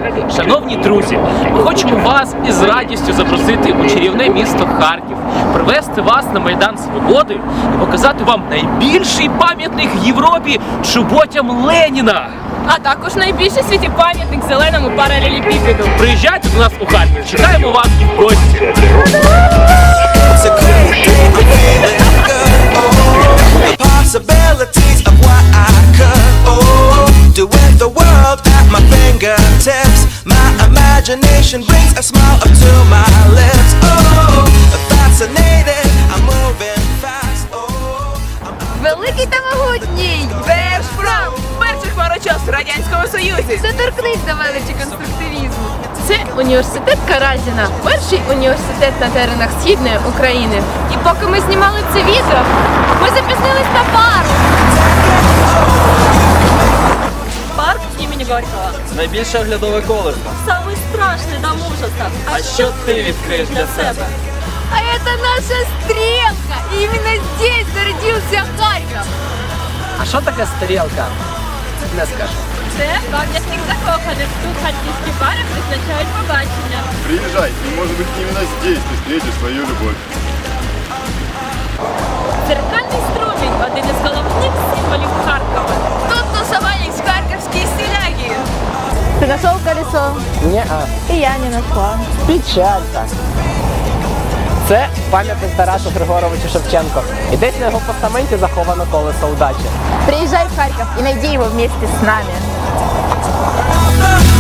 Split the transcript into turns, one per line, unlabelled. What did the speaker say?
Шановні друзі, ми хочемо вас із радістю запросити у чарівне місто Харків, привезти вас на Майдан Свободи і показати вам найбільший пам'ятник в Європі чоботям Леніна.
А також найбільший в світі пам'ятник зеленому паралелепіпеду.
Приїжджайте до нас у Харків, чекаємо вас в гості.
It's a great day, I'm feeling good, oh. The possibilities of what I could, oh. Do with the world at my fingertips. My imagination brings a smile up to my lips, oh. Fascinated, I'm moving fast, oh.
Великий та могутній! Держпром! Перший хмарочос в Радянському Союзі!
Доторкнись до величі конструктивізму.
Це університет Каразіна, перший університет на теренах Східної України.
І поки ми знімали це відео, ми запізнились на пару.
Парк імені Горького.
Найбільше оглядове колесо.
Самый страшный дом ужасов.
А що ти відкриєш для себе?
А это наша стрелка. И именно здесь зародился Харьков.
А що таке стрілка? Не скажу.
Це пам'ятник закоханих. Тут харківські пари призначають побачення.
Приезжай, и может быть именно здесь ты встретишь свою любовь.
Дзеркальний струмінь – один із головних символів Харкова.
Тут тусовались харківські стиляги.
Ты нашел колесо?
Ні-а.
И я не нашла.
Печалька. Це пам'ятник Тарасу Григоровичу Шевченко. І десь на його постаменті заховано колесо удачі.
Приезжай в Харьков и найди его вместе с нами.
The